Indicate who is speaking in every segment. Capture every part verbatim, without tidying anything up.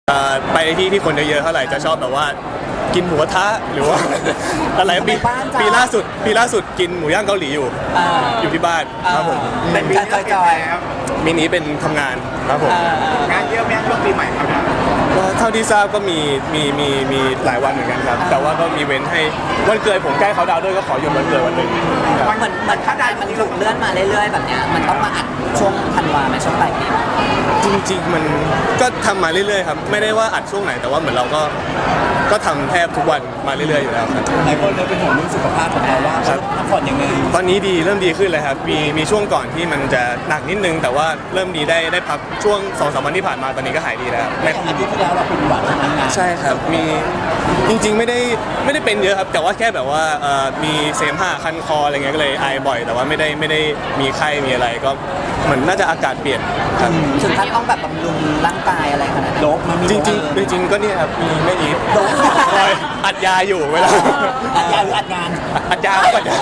Speaker 1: ไปที่ที่คนเยอะๆเท่าไหร่จะชอบแบบว่ากินหมูกระทะหรือว่าอะไรปีปีล่าสุดปีล่าสุดกินหมูย่างเกาหลีอยู่อยู่ที่บ้านครับผม
Speaker 2: เป็นการจอยๆ
Speaker 1: มินี้เป็นทำงานครับผม
Speaker 3: งานเยอะไหมช่วงปีใหม่ครับ
Speaker 1: ก็เท่าที่ทราบก็มีมีมีมีหลายวันเหมือนกันครับแต่ว่าก็มีเว้นให้วันเกิดผมใกล้เขาดาวด้วยก็ขอหยุดวันเกิดวันหนึ่ง
Speaker 2: เหมือนเหมือนถ้าได้มันถูกเลื่อนมาเรื่อยๆแบบเนี้ยมันต้องมาอัดช่วงธันวาไหมช่วงปลายปี
Speaker 1: จริงๆมันก็ทำมาเรื่อยๆครับไม่ได้ว่าอัดช่วงไหนแต่ว่าเหมือนเราก็ก็ทำแทบทุกวันมาเรื่อยๆอยู่แล้วครับ
Speaker 4: หลายคนเลยเป็นห่วงเรื่องสุขภาพของเราว่าพักผ่อนยังไง
Speaker 1: ตอนนี้ดีเริ่มดีขึ้นเลยครับมีมีช่วงก่อนที่มันจะหนักนิดนึงแต่ว่าเริ่มดีได้ได้พักช่วงสองสามวันที่ผ่านมาตอนนี้ก็หายดีแล้ว
Speaker 4: ในอาทิตย์ที่แล้วเราเป็นหวัดทำงาน
Speaker 1: ใช่ครับมีจริงๆไม่ได้ไม่ได้เป็นเยอะครับแต่ว่าแค่แบบว่ามีเสมหะคันคออะไรเงี้ยก็เลยไอบ่อยแต่ว่าไม่ได้ไม่ได้มีไข้มีอะไรก็เหมือนน่าจะอากาศเปลี่ยนครับ
Speaker 2: ถึงขั้นต้องแบบบำรุงร่างกายอะไรขนาดนั้น
Speaker 4: โดบมันมี
Speaker 1: จริงๆจริงๆก็เนี่ยครับมีไม่อีฟโดบอัดยาอยู่เวลา
Speaker 4: อัดยาหรืออัดงาน
Speaker 1: อัดยาอัดยา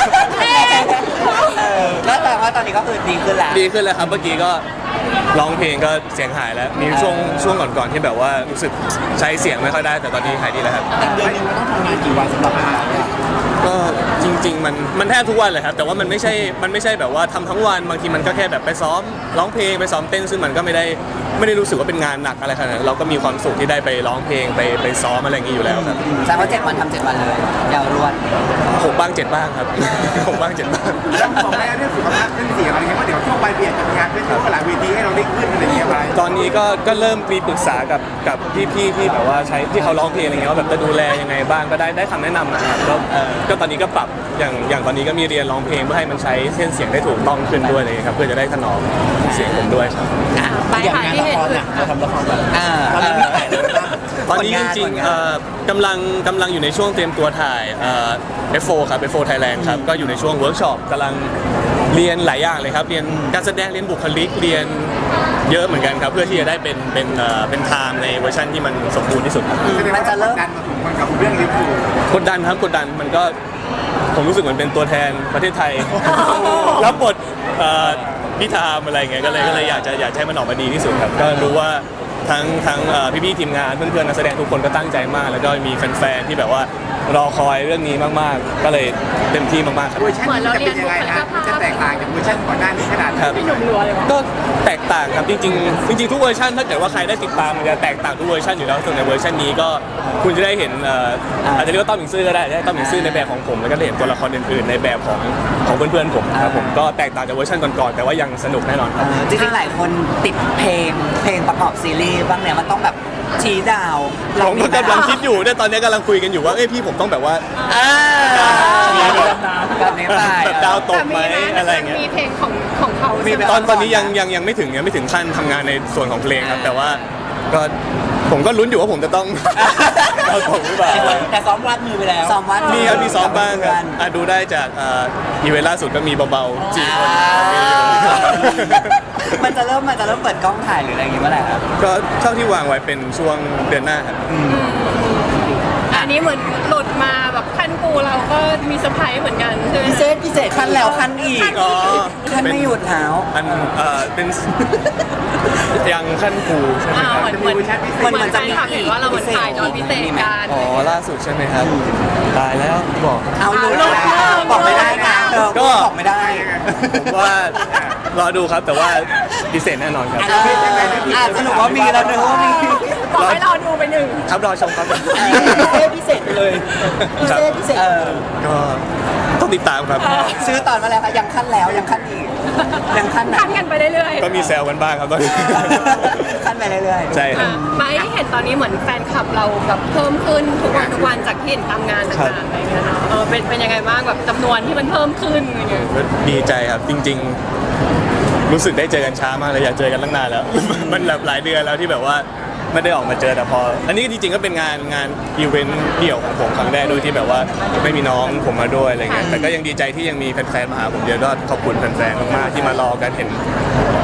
Speaker 2: แล้วแต่ว่าตอนนี้ก็คือดีขึ้นแล้ว
Speaker 1: ดีขึ้นแล้วครับเมื่อกี้ก็ร้องเพลงก็เสียงหายแล้วมีช่วงช่วงก่อนๆที่แบบว่ารู้สึกใช้เสียงไม่ค่อยได้แต่ตอนนี้หายดีแล้วครับ
Speaker 4: เดือนนึงมันต้องทำงานกี่วันสำหรับเราเนี่ย
Speaker 1: ก็จริงๆมันมันแทบทุกวันเลยครับแต่ว่ามันไม่ใช่มันไม่ใช่แบบว่าทำทั้งวันบางทีมันก็แค่แบบไปซ้อมร้องเพลงไปซ้อมเต้นซึ่งมันก็ไม่ได้ไม่ได้รู้สึกว่าเป็นงานหนักอะไรขนาดนั้นเราก็มีความสุขที่ได้ไปร้องเพลงไปไปซ้อมอะไรอย่างนี้อยู่แล้วครับ
Speaker 2: แสดงว่าเจ็ดวันทำเจ็ดวันเลยยาวรวด
Speaker 1: หกบ้างเจ็ดบ้างครับหกบ้างเจ็ดบ้าง
Speaker 3: เรื่องของแม่เรื่องสุขภาพเรื่องเสียงอะไรเงี้ยว่าเดี๋ยวช่วงปลายปีจะมีงานเป็นช่วงหลายเวทีให้เราได้ขึ้นอะไรเงี้ยไป
Speaker 1: ตอนนี้ก็ก็เริ่มมีปรึกษากับกับพี่ๆที่แบบว่าใช้ที่เขาร้องเพลงอะไรเงี้ยว่าแบบจะดูแลยังไงบ้างก็ได้ได้คำแนะนำนะครับก็ก็ตอนนี้ก็ปรับอย่างอย่างตอนนี้ก็มีเรียนร้องเพลงเพื่อให้มันใช้เส้นเสียงได้ถูกต้องขึ้นด้วยเลยครับเพื่อจะได้ถนอมเสียงผมด้วยครับ
Speaker 4: อย่างงานละครน่ะเราทำละครแบบตอนนี้มีถ่ายแล้วนะ
Speaker 1: ตอนนี้จริงๆกำลังกำลังอยู่ในช่วงเตรียมตัวถ่าย เอฟ โฟร์ ครับ เอฟ โฟร์ Thailand ครับก็อยู่ในช่วงเวิร์กช็อปกำลังเรียนหลายอย่างเลยครับเรียนการแสดงเรียนบุคลิกเรียนเยอะเหมือนกันครับเพื่อที่จะได้เป็นเป็นเป็นไทม์ในเวอร์ชันที่มันสมบูรณ์ที่สุด
Speaker 3: มันจะเริ่มดันมาถึงมันกับเรื่องลิฟต์
Speaker 1: กดดันครับกดดันมันก็ผมรู้สึกเหมือนเป็นตัวแทนประเทศไทยรับบทพิธามอะไรเงี้ยก็เลยก็เลยอยากจะอยากให้มันออกมาดีที่สุดครับก็รู้ว่าทั้งทั้งพี่ๆทีมงานเพื่อนๆนักแสดงทุกคนก็ตั้งใจมากแล้วก็มีแฟนๆที่แบบว่ารอคอยเรื่องนี้มากๆก็เลยเต็มที่มากๆครับ
Speaker 3: เวอร์ชันนี้จะเป็นยังไงนะจะแตกต่างจากเวอร์ชันก่อนหน้านี้ขนาดไหน
Speaker 1: ก็แตกต่างครับจริงๆจริงๆทุกเวอร์ชันถ้าเกิดว่าใครได้ติดตามมันจะแตกต่างทุกเวอร์ชันอยู่แล้วส่วนในเวอร์ชันนี้ก็คุณจะได้เห็นอาจจะเรียกว่าต้อมหมิงซื่อก็ได้ได้ต้อมหมิงซื่อในแบบของผมแล้วก็เห็นตัวละครอื่นๆในแบบของของเพื่อนๆผมครับผมก็แตกต่างจากเวอร์ชันก่อนๆแต่ว่ายังสนุกแน่นอนครับ
Speaker 2: จริงๆหลายคนติดเพลงเพลงประกอบซีรีส์บ้างเนี่ยมันต้องแบบชี้ดาว
Speaker 1: ผมก็กำลังคิดอยู่เนี่ยตอนนี้กำลังคุยกันอยู่ว่าเอ้ยพี่ผมต้องแบบว่าแบบดาวตกไหมอะไรเงี้ย
Speaker 5: มีเพลงของของเขา
Speaker 1: ตอนตอนนี้ยังยังยังไม่ถึงยังไม่ถึงขั้นทำงานในส่วนของเพลงครับแต่ว่าก็ผมก็ลุ้นอยู่ว่าผมจะต้องดาวตกหรือเปล่า
Speaker 4: แต่ซ้อมวาดมือไปแล้ว
Speaker 2: ซ้อมวาด
Speaker 1: มีครับมีซ้อมบ้างครับดูได้จากอีเวนต์ล่าสุดก็มีเบาๆจีคน
Speaker 2: มันจะเริ่มมันจะเริ่มเปิดกล้องถ่ายหรืออะไรอย่างงี้เมื่อไหร่ครับ
Speaker 1: ก็เท่าที่วางไว้เป็นช่วงเดือนหน้าครับ
Speaker 5: อันนี้เหมือนหลุดมาแบบขั้นกูเราก็มีเซอร์ไพรส์เหมือนกันใช่ไหม
Speaker 2: พิเศษพิเศษขั้นแล้วขั้นอีก
Speaker 1: อ๋อ
Speaker 2: ขั้นไม่หยุดหาว
Speaker 1: อันเอ่อเป็นยังขั้นกูใช่ไหมครับ
Speaker 5: เหมือนเหมือนเหมือนเหมือนจะมีเห็นว่าเราเหมือนถ่ายตอนพิเศษกัน
Speaker 1: อ๋อล่าสุดใช่ไหมครับตายแล้วบอก
Speaker 2: เอาลูกบอกไม่ได้นะก็บอกไม่ได้
Speaker 1: ผมว่ารอดูครับแต่ว่าพิเศษแน่นอนครับ
Speaker 2: อาจจะหนูว่ามีแล้วเนอะว่ามี
Speaker 5: บอกให้รอดูไปหนึ่ง
Speaker 1: ครับรอชมครับ
Speaker 2: พิเศษไปเลยพิเศษพิเศษ
Speaker 1: ก็ต้องติดตามครับ
Speaker 2: ซื้อตอนมาแล้วยังขั้นแล้วยังขั้นอีกยังขั้น
Speaker 5: ขั้นกันไปเรื่อย
Speaker 1: ๆก็มีแซวกันบ้างครับตอนนี้
Speaker 2: ขั้นไปเรื่อย
Speaker 1: ๆใช่ครับ
Speaker 5: ไม่เห็นตอนนี้เหมือนแฟนคลับเราแบบเพิ่มขึ้นทุกวันทุกวันจากที่เห็นตามงานต่างๆอะไรเงี้ยเนาะเออเป็นเป็นยังไงบ้างแบบจำนวนที่มันเพิ่มขึ้นอะไรเงี้ย
Speaker 1: ดีใจครับจริงๆรู้สึกได้เจอกันช้ามากเลยอยากเจอกันตั้งนานแล้วมันแบบหลายเดือนแล้วที่แบบว่าไม่ได้ออกมาเจอแต่พออันนี้จริงๆก็เป็นงานงานอีเวนต์เดี่ยวของผมครั้งแรกโดยที่แบบว่าไม่มีน้องผมมาด้วยอะไรเงี้ยแต่ก็ยังดีใจที่ยังมีแฟนๆมาหาผมเยอะก็ขอบคุณแฟนๆมากๆที่มารอกันเห็น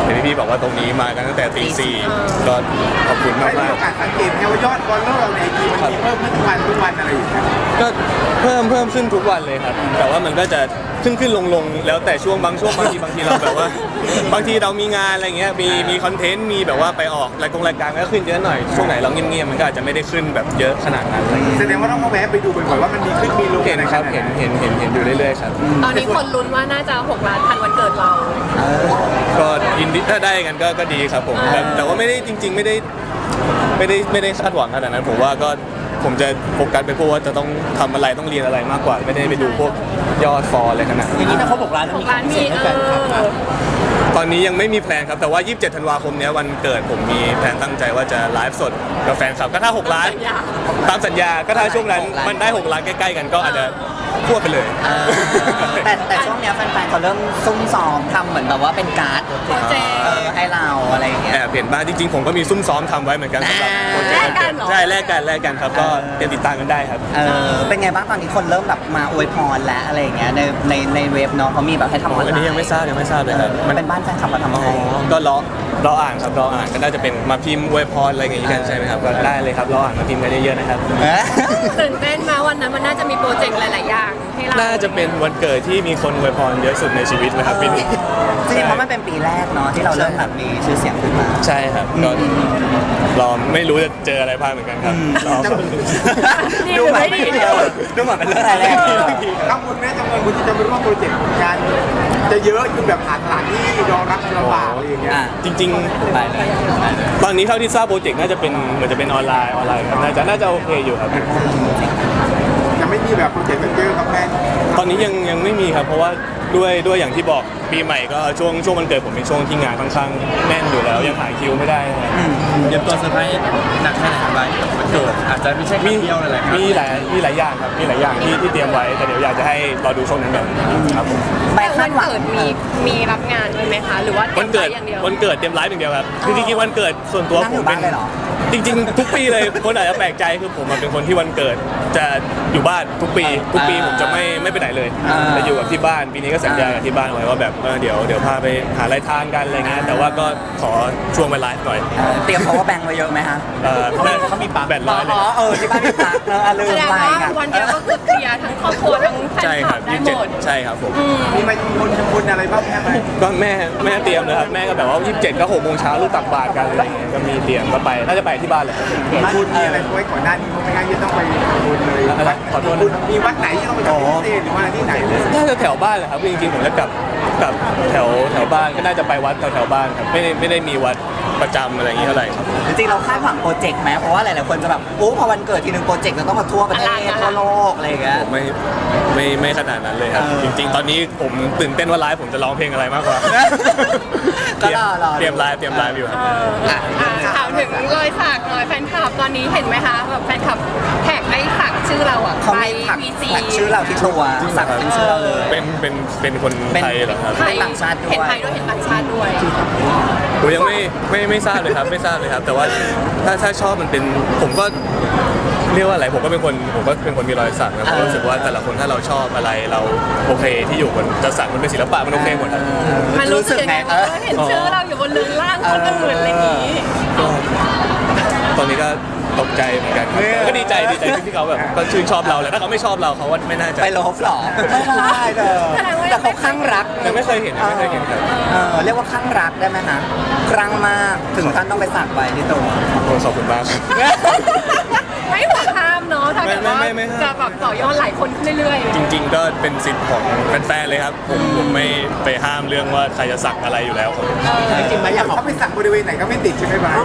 Speaker 1: เห็นพี่ๆบอกว่าตรงนี้มากันตั้งแต่ตีสี่ก็ขอบคุณ
Speaker 3: ได้
Speaker 1: มาก
Speaker 3: มี
Speaker 1: มาก
Speaker 3: โอกาสสังเกตไหมว่ายอดฟอลโล่เราในไอจีมันมีเพิ่มขึ้นทุกวันทุกวันอะไรอย่างเงี้ย
Speaker 1: ก็เพิ่มเพิ่มขึ้นทุกวันเลยครับ แต่ว่ามันก็จะขึ้นขึ้นลงลงแล้วแต่ช่วงบางช่วงบางทีบางทีเราแบบว่า บางทีเรามีงานอะไรเงี้ยมีมีคอนเทนต์มีแบบว่าไปออกรายกงรายการก็ขึ้นเยอะหน่อยช่วงไหนเราเงียบๆมันก็อาจจะไม่ได้ขึ้นแบบเยอะขนาดนั้นอะไรเงี้ย
Speaker 3: แสดงว่าต้องมาแวะไปดูบ่อยๆว่ามันมีขึ้นมีลง
Speaker 1: เห็นครับเห็นเห็นเห็นเห็นอยู่เรื่อยๆครับ
Speaker 5: ตอนนี้คนลุ้นว่าน่าจะหกล้านทันวันเกิดเรา
Speaker 1: ก็ยินดีถ้าได้กันก็ก็ดีครับผมแต่แต่ว่าไม่ได้จริง ๆ ไม่ได้ไม่ได้ไม่ได้คาดหวังขนาดนั้นผมว่าก็ผมจะโฟกัสไปพวกว่าจะต้องทำอะไรต้องเรียนอะไรมากกว่า ไม่ได้ไปดูพวกยอดฟอลอะไรขนาดนั้น
Speaker 4: อย่างนี้ถ้าเขาบอกร้าน
Speaker 5: ห
Speaker 4: มี
Speaker 5: กล้านมี
Speaker 4: เสียงให้
Speaker 5: เอ
Speaker 4: แฟนคลับนะ
Speaker 5: อ
Speaker 1: ตอนนี้ยังไม่มีแพลนครับแต่ว่ายี่สิบเจ็ดธันวาคมเนี้ยวันเกิดผมมีแพลนตั้งใจว่าจะไลฟ์สดกับแฟนคลับก็ถ้าหกล้าน
Speaker 5: สัญญา
Speaker 1: ตามสัญญาก็ถ้าช่วงนั้นมันได้หกล้านใกล้ๆกันก็อาจจะควบไปเลย
Speaker 2: เออแต่แต่ช่วงเนี้ยแฟนๆเขาเริ่มซุ่มซ้อมทำเหมือนแบบว่าเป็นการ์ด
Speaker 5: โปรเจกต์
Speaker 2: เออให้เราอะไรอย่างเงี้ย
Speaker 1: แอบเห็นบ้างจริงๆผมก็มีซุ่มซ้อมทำไว้เหมือนกันสำหรับโปรเจกต์
Speaker 5: แลกกันเหรอ
Speaker 1: ใช่แลกกันแลกกันครับก็เตรียมติดตามกันได้ครับ
Speaker 2: เออเป็นไงบ้างตอนนี้คนเริ่มแบบมาอวยพรแล้วอะไรอย่างเงี้ยในในในเว็บเนาะเขามีแบบให้ทำออนไลน์
Speaker 1: อันนี้ยังไม่ทราบยังไม่ทราบเลยครับ
Speaker 2: มันเป็นบ้านแฟนคลับมาทำ
Speaker 1: อ๋อ
Speaker 2: ให้
Speaker 1: ก็รอรออ่านครับรออ่านก็น่าจะเป็นมาพิมพ์อวยพรอะไรอย่างงี้กันใช่ไหมครับก็ได้เลยครับรออ่านมาพิมพ์กันเยอะๆนะครับ
Speaker 2: เอ๊ะ
Speaker 5: ตื่นเต้นมาวันนั้นมันน่าจะมีโปรเจกต์หลาย ๆ อย่างให้เรา
Speaker 1: น่าจะเป็นวันเกิดที่มีคนอวยพรเยอะสุดในชีวิตนะครับปีนี้
Speaker 2: จริงๆเพราะมันเป็นปีแรกเนาะที่เราเริ่มแบบมีชื่อเสียงขึ้นมา
Speaker 1: ใช่ครับก็รอไม่รู้จะเจออะไรบ้างเหมือนกันครับรอ
Speaker 5: ดี
Speaker 2: ดู
Speaker 5: หรือ
Speaker 2: เหมือน
Speaker 5: ไม่ดี
Speaker 2: ดูเหมือนเป็นเรื่องอะไรแรก
Speaker 3: กังวลไหมจำนวนคนที่จะไปร่วมโปรเจกต์งานจะเยอะจนแบบหาสถานที่รองรับลำบากอะไรอย่างเงี้ย
Speaker 2: อ่ะ
Speaker 1: จริง
Speaker 2: ไปเลย
Speaker 1: ๆ ตอนนี้เท่าที่ทราบโปรเจกต์น่าจะเป็นเหมือนจะเป็นออนไลน์ออนไลน์ครับน่าจะน่าจะโอเคอยู่ครับ
Speaker 3: จะไม่มีแบบโปรเจกต์เยอะครับแม่
Speaker 1: ตอนนี้ยังยังไม่มีครับเพราะว่าด้วยด้วยอย่างที่บอกปีใหม่ก็ช่วงช่วงวันเกิดผมเป็นช่วงที่งานค่อนข้างแน่นอยู่แล้วยังหาคิวไม่ได้ครับ
Speaker 4: เตรียมตัวเซอร์ไพรส์หนักแค่ไหนครับไบวันเกิดอาจจะไม่ใช่ครั้งเดียวนั่นแหละครับ
Speaker 1: มีหลายมีหลายอย่างครับมีหลายอย่างที่ที่เตรียมไว้แต่เดี๋ยวอยากจะให้รอดูช่วงนั้นกันครับผม
Speaker 2: ไป
Speaker 5: วั
Speaker 2: คาด
Speaker 5: น
Speaker 2: หวัง
Speaker 5: เกิดมีมีรับงานด้วยไหมคะ หรือว่าเตรี
Speaker 1: วั
Speaker 5: ย
Speaker 1: น
Speaker 5: ม
Speaker 1: เกิ
Speaker 5: ไว้
Speaker 1: ด
Speaker 5: อย่างเดียว
Speaker 1: วันเกิดเตรียมไลฟ์อย่างเดียวครับคือจริงๆวันเกิดส่วนตัว
Speaker 2: นั่ง
Speaker 1: ผ
Speaker 2: อยู่
Speaker 1: ม
Speaker 2: บ้านเลยเหรอ
Speaker 1: จริง ๆ ทุกปีเลยคนอาจจะแปลกใจคือผมอะเป็นคนที่วันเกิดจะอยู่บ้านทุกปี ทุกปีผมจะไม่ไม่ไปไหนเลย
Speaker 2: อ่า
Speaker 1: จะอยู่กับที่บ้านปีนี้ก็สัญญากับที่บ้านไว้ว่าแบบเออเดี๋ยวเดี๋ยวพาไปหาอะไรทานกันอะไรเงี้ยแต่ว่าก็ขอช่วงไปไลฟ์หน่อย
Speaker 2: เออเตรียม power bank ไว้เยอะไหมฮะ
Speaker 1: เออ
Speaker 4: เขาเขามีปลั๊ก
Speaker 1: แบตร้อยเลย
Speaker 2: อ๋อเออที่บ้านมีปลั๊กเนอะอ่ะลืม
Speaker 5: แสดง
Speaker 2: ไป
Speaker 5: ว่า
Speaker 2: ค่ะ
Speaker 5: วันเดียวก็คือเคลียร์ทั้งครอบครัวทั้งแฟน
Speaker 1: ใช่
Speaker 5: ค
Speaker 1: ค
Speaker 5: ลั
Speaker 1: รั
Speaker 5: บบ ได้
Speaker 1: ยี่สิบ
Speaker 5: ห
Speaker 1: เจ็ด
Speaker 5: มด
Speaker 1: ใช่ครับผม
Speaker 3: มีมาทำบุญทำบุญอะไรบ้างแม่ไหม
Speaker 1: ก็แม่แม่เตรียมเลยครับแม่ก็แบบว่ายี่สิบเจ็ดก็หกโมงเช้าลูกตักบาตรกันอะไรเงี้ยก็มีเตรียมก็ไปน่าจะไปที่บ้านเลยครับ
Speaker 3: ทำบุญมีอะไรไว้ก่อนหน้านี้ไม่งั้นจะต้องไปทำบุญเลย
Speaker 1: อะไรขอโทษนะ
Speaker 3: บุญมีวัดไหนที่ต้องไปทำพิเศษหรือว่าที่ไหนเลย
Speaker 1: น่าจะแถวบ้านแหละครับจริงๆผมจะกลับกลับแถวแถวบ้านก็น่าจะไปวัดแถวแถวบ้านครับไม่ได้ไม่ได้มีวัดประจำอะไรอย่างนี้เท่าไหร่ครับ
Speaker 2: จริงๆเราคาดหวังโปรเจกต์ไหมเพราะว่าหลายๆคนจะแบบโอ้พอวันเกิดทีนึงโปรเจกต์เราต้องมาทั่วประเทศ
Speaker 5: อลัง
Speaker 2: ทั่วโลกอะไรอย่างเงี้ย
Speaker 1: ผมไม่ไม่ไม่ขนาดนั้นเลยครับ
Speaker 2: เออ
Speaker 1: จริง ๆ ตอนนี้ผมตื่นเต้นว่าไลฟ์ผมจะร้องเพลงอะไรมากกว่า
Speaker 2: ก็รอรอ
Speaker 1: เตรียมไลฟ์เตรียมไลฟ์อยู่ครับ
Speaker 2: อ่ะ
Speaker 5: อ่ะถามถึงรอยสักหน่อยแฟนคลับตอนนี้เห็นไหมคะแบบแฟนคลับแท็กไอ้สักชื่อเราอ่ะ
Speaker 2: เขา
Speaker 5: ไป
Speaker 2: ไม่ถัก
Speaker 5: วีซี
Speaker 2: ถักชื่อเราที่ตัวสักเป็นชื่อเราเลย
Speaker 1: เป็นเป็นเป็นคนไทยเหรอครับ
Speaker 2: เป็นต่างชาติด้วย
Speaker 5: เห็นไทยด้วยเห็นต่างชาติด้วย
Speaker 1: ผมยังไม่ไม่ไม่ทราบเลยครับไม่ทราบเลยครับ แต่ว่าถ้าถ้าชอบมันเป็นผมก็เรียกว่าอะไรผมก็เป็นคนผมก็เป็นคนมีรอยสักนะผมรู้สึกว่าแต่ละคนถ้าเราชอบอะไรเราโอเคที่อยู่บนจะสักมันเป็นศิลปะมันโอเคหมดครับ
Speaker 5: มันรู้สึกยังไง
Speaker 2: เออ
Speaker 5: ว่าเห็นชื่อเราอยู่บนเรือนร่างคนอื่นอะไรอย่างนี้
Speaker 1: ก็ตอนนี้ก็ตกใจเหมือนกันครับก็ดีใจดีใจที่เขาแบบก็ชื่นชอบเราแหละถ้าเขาไม่ชอบเราเขาว่าไม่น่าจะ
Speaker 2: ไปลบหรอไม่ได้เด้อแต่เขาข้างรัก
Speaker 1: ยังไม่เคยเห็นยังไม่เคยเห็นครับ
Speaker 2: เออเรียกว่าข้างรักได้ไหมฮะครั้งมากถึงขั้นต้องไปสักไว้ที่ตัว
Speaker 1: โอ้ขอบคุณมากครับ
Speaker 5: ไม่หัวข้ามเนาะถ้าเกิดว่า
Speaker 1: ไม่ไม่ไม่ห้าม
Speaker 5: จะแบบต่อยอดหลายคนขึ้นเรื่อยๆ
Speaker 1: จริง ๆ ก็เป็นสิทธิ์ของแฟนๆเลยครับผมผมไม่ไปห้ามเรื่องว่าใครจะสักอะไรอยู่แล้วครับ
Speaker 4: จริงๆไหมอยากขอบ
Speaker 3: เขาไปสักบริเวณไหนก็ไม่ติดใช่ไหมบ้าง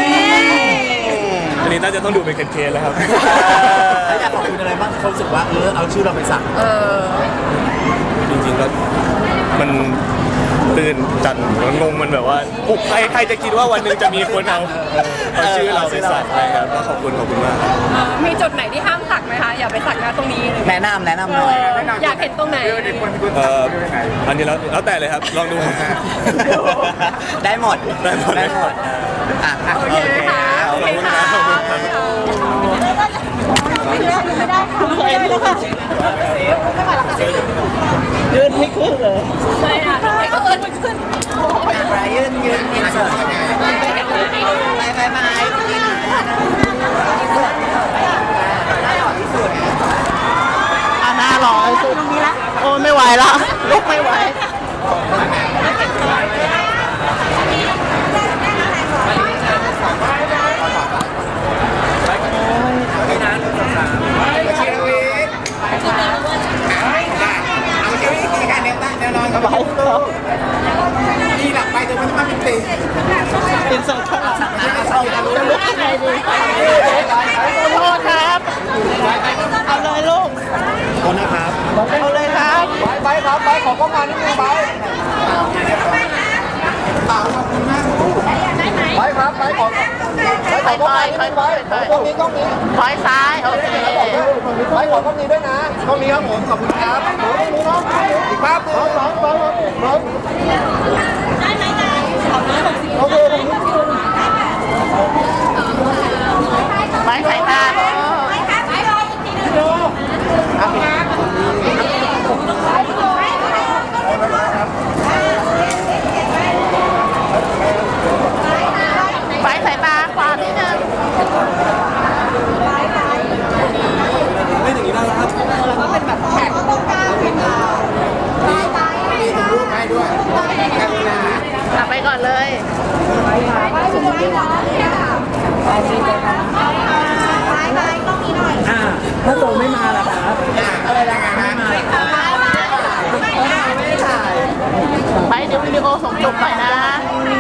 Speaker 1: อันนี้น่าจะต้องดูเป็นเคนๆแล้วครับ
Speaker 4: แล้วอยากขอบคุณอะไรบ้างที่เขารู้สึกว่าเออเอาชื่อเราไปสัก
Speaker 5: เออ
Speaker 1: จริงๆก็มันตื่นจันมันงงมันแบบว่าโอ้ใครใครจะคิดว่าวันหนึงจะมีคนเอาเอาชื่อเราไปสักอะไรครับก็ขอบคุณขอบคุณมากครับ
Speaker 5: เออมีจุดไหนที่ห้ามสักไหมคะอย่าไปสักนะตรงนี้
Speaker 2: แนะนำแนะนำ
Speaker 5: เอ
Speaker 2: หน่อย
Speaker 5: ออยากเห็นตรงไหน
Speaker 3: บริเวณคนคน
Speaker 1: เอ่
Speaker 3: สัก
Speaker 1: อบ
Speaker 3: ริเวณไหน
Speaker 1: อันนี้แล้วแล้วแต่เลยครับลองดู
Speaker 2: ได้หมด
Speaker 1: ได้หมด
Speaker 2: ได้หมดอ่ะอ่ะ
Speaker 5: โอเคค่ะโอเคค่ะ
Speaker 1: ขอบคุณครับ
Speaker 4: ยืนไม่ขึ้นเลย
Speaker 5: ใช่ค่ะทำไมก็เอิญมันขึ้น
Speaker 2: ไปยืนยืน
Speaker 3: อกก็มานิดนึงไปไปครับไปขอไปขอไปไปไปกล้องนี้กล้องนี้
Speaker 6: ถอยซ้ายโอเค
Speaker 3: ไปขอกล้องนี้ด้วยนะกล้องนี้ครับผมขอบคุณครับกล้องนี้เนาะอีกภาพหนึ่งสองสองสองโอเค
Speaker 6: ไว้สายตาไว้สายตาขวานิดนึง
Speaker 5: แล้วก็เป็นแบบแท็ก
Speaker 3: มีถ่ายรูปให้ด้วยกันนะ
Speaker 6: กลับไปก่อนเลย
Speaker 2: ถ้าโตไม่มาล่ะครับ
Speaker 3: อะไรนะฮะ
Speaker 6: ไปเดี๋ยววิดีโอส่งจบไปนะ
Speaker 3: ไ